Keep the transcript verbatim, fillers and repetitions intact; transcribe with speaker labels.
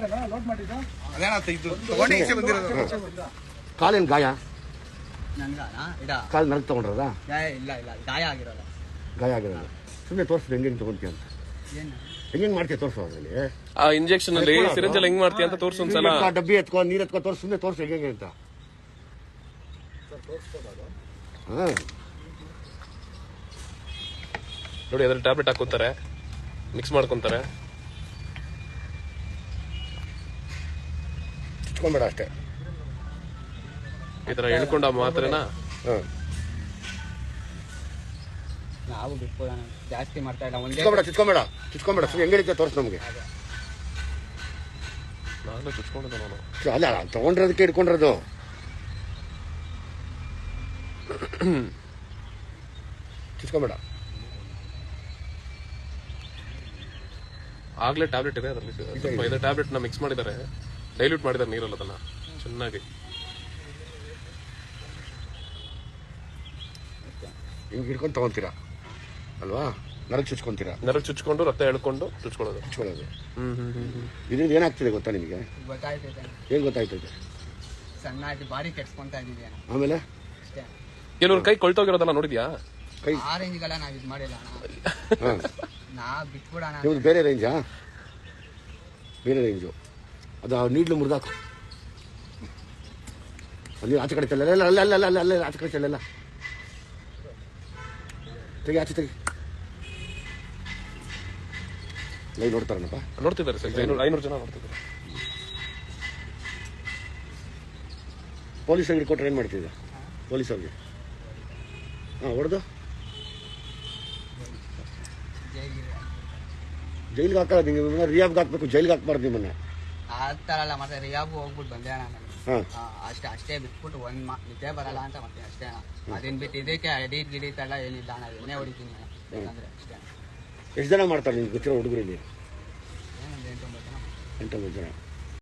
Speaker 1: ಕಾಲೇನು ಗಾಯ ಕಾಲು ನರಕ ತಗೊಂಡ್ರದ
Speaker 2: ಇಲ್ಲ ಇಲ್ಲ ಗಾಯ ಆಗಿರೋಲ್ಲ
Speaker 1: ಗಾಯ ಆಗಿರೋದು ಸುಮ್ಮನೆ ತೋರಿಸ್ದು ಹೆಂಗೆ ಹೆಂಗೆ ತಗೊಂತೀಯ ಅಂತ ಹೆಂಗೆ ಮಾಡ್ತೀಯ ತೋರಿಸು ಅದರಲ್ಲಿ
Speaker 3: ಆ ಇಂಜೆಕ್ಷನ್ ಅಲ್ಲಿ ಸಿರಿಂಜ್ ಅಲ್ಲಿ ಹೆಂಗ್ ಮಾಡ್ತೀಯ ಅಂತ ತೋರಿಸು ಒಂದ್ಸಲ
Speaker 1: ಡಬ್ಬಿ ಎತ್ಕೊ ನೀರ್ ಎತ್ಕೊ ತೋರಿಸು ಸುಮ್ಮನೆ ತೋರಿಸು ಹೆಂಗೆ ಹೆಂಗೆ ಅಂತ ಹಾ
Speaker 3: ನೋಡಿ ಅದ್ರಲ್ಲಿ ಟ್ಯಾಬ್ಲೆಟ್ ಹಾಕೋತಾರೆ ಮಿಕ್ಸ್ ಮಾಡ್ಕೊಂತಾರೆ
Speaker 1: ಚುಚ್ಕೊಂಬೇಡ ಅಷ್ಟೇ
Speaker 3: ಈ ತರ ಹೇಳ್ಕೊಂಡ ಮಾತ್ರೆನಾ
Speaker 2: ನಾವು ಬಿಟ್ಕೊಡ ಜಾಸ್ತಿ ಮಾಡ್ತಾ ಇಲ್ಲ
Speaker 1: ಚುಚ್ಕೊಂಬೇಡ ಚುಚ್ಕೊಂಬೇಡ ಚುಚ್ಕೊಂಬೇಡ ಸುಮ್ಮನೆ ಹೆಂಗೆ ಹಿಡಿತೀಯ ತೋರಿಸು ನಮಗೆ
Speaker 3: ನಾನು ಚುಚ್ಕೊಂಡಿದ್ದೆ ನಾನು
Speaker 1: ಅಲ್ಲ ತಗೊಂಡ್ರದಕ್ಕೆ ಹಿಡ್ಕೊಂಡಿರೋದು ಚುಚ್ಕೊಂಬೇಡ
Speaker 3: ಆಗ್ಲೇ ಟ್ಯಾಬ್ಲೆಟ್ ಇದೆ ಅದರಲ್ಲಿ ಸ್ವಲ್ಪ ಇದೆ ಟ್ಯಾಬ್ಲೆಟ್ ನ ಮಿಕ್ಸ್ ಮಾಡಿದ್ದಾರೆ ಡೈಲ್ಯೂಟ್ ಮಾಡಿದ್ದಾರೆ ನೀರಲ್ಲಿ ಅದನ್ನ ಚೆನ್ನಾಗಿ
Speaker 1: ಹಿಂಗೆ ಹಿಡ್ಕೊಂಡು ತಗೊಂತೀರಾ ಅಲ್ವಾ ನರಕ್ ಚುಚ್ಕೊಂತೀರಾ
Speaker 3: ನರಕ್ ಚುಚ್ಕೊಂಡು ರಕ್ತ ಎಳ್ಕೊಂಡು ಚುಚ್ಕೊಳ್ಳೋದು
Speaker 1: ಚುಚ್ಕೊಳ್ಳೋದು
Speaker 3: ಹ್ಮ್ ಹ್ಮ್ ಹ್ಮ್
Speaker 1: ಇದರಿಂದ ಏನಾಗ್ತಿದೆ ಗೊತ್ತಾ ನಿಮಗೆ
Speaker 2: ಗೊತ್ತಾಯ್ತೈತೆ
Speaker 1: ಏನ್ ಗೊತ್ತಾಯ್ತೈತೆ
Speaker 2: ಸಣ್ಣ ಆಯ್ತು ಬಾಡಿ ಕೆಡ್ಸ್ಕೊಂತ ಇದೀವಿ
Speaker 1: ಆಮೇಲೆ
Speaker 2: ಅಷ್ಟೇ
Speaker 3: ಕೆಲವ್ರ ಕೈ ಕೊಳ್ತೋಗಿರೋದಲ್ಲ ನೋಡಿದ್ಯಾ
Speaker 1: ಕೈ
Speaker 2: ಆ ರೇಂಜ್ಗೆಲ್ಲ ನಾವ್ ಇದು ಮಾಡಿಲ್ಲ ನಾ ಬಿಟ್ಬಿಡೋಣ
Speaker 1: ನಿಮ್ದು ಬೇರೆ ರೇಂಜಾ ಬೇರೆ ರೇಂಜು ಅದು ನೀಡ್ಲು ಮುರಿದಾಕು ಅಲ್ಲಿ ಆಚೆ ಕಡೆ ಚೆಲ್ಲ ಅಲ್ಲ ಅಲ್ಲ ಅಲ್ಲ ಅಲ್ಲ ಅಲ್ಲ ಆಚೆ ಕಡೆ ಚೆಲ್ಲ ತೆಗಿ ಆಚೆ ತೆಗಿ ಲೈ ನೋಡ್ತಾರನಪ್ಪ
Speaker 3: ನೋಡ್ತಿದ್ದಾರೆ ಸರ್ ಐನೂರು ಐನೂರು ಜನ ನೋಡ್ತಿದ್ದಾರೆ
Speaker 1: ಪೊಲೀಸ್ ಅಂಗಡಿ ಕೊಟ್ಟರೆ ಏನು ಮಾಡ್ತಿದ್ದ ಪೊಲೀಸ್ ಅವ್ರಿಗೆ ಹಾಂ ಹೊಡೆದು ಜೈಲಿಗೆ ಹಾಕೋದು ನಿಮಗೆ ರಿಯಾಬ್ಗೆ ಹಾಕ್ಬೇಕು ಜೈಲಿಗೆ ಹಾಕ್ಬಾರ್ದು ನಿಮ್ಮನ್ನ
Speaker 2: ಆ ಥರ ಅಲ್ಲ ಮತ್ತೆ ರಿಯಾಬು ಹೋಗ್ಬಿಟ್ಟು ಬಂದೆ ಅಣ್ಣ
Speaker 1: ಹಾಂ
Speaker 2: ಅಷ್ಟೇ ಅಷ್ಟೇ ಬಿಟ್ಬಿಟ್ಟು ಒಂದ್ ಮಾ ನಿದ್ದೆ ಬರಲ್ಲ ಅಂತ ಮಾಡ್ತೀನಿ ಅಷ್ಟೇ ಅಣ್ಣ ಅದನ್ನ ಬಿಟ್ಟು ಇದಕ್ಕೆ ಎಡೀಟ್ ಗಿಡೀಟ್ ಎಲ್ಲ ಏನಿಲ್ಲ ಅಣ್ಣ ಎಣ್ಣೆ ಹೊಡಿತೀನಿ ಬೇಕಂದ್ರೆ ಅಷ್ಟೇ
Speaker 1: ಎಷ್ಟು ಜನ ಮಾಡ್ತಾರೆ ನಿಮ್ಗೆ ಗೊತ್ತಿರೋ ಹುಡುಗರಲ್ಲಿ
Speaker 2: ಏನೊಂದು ಎಂಟು ಒಂಬತ್ತು ಜನ
Speaker 1: ಎಂಟೊಂಬತ್ತು ಜನ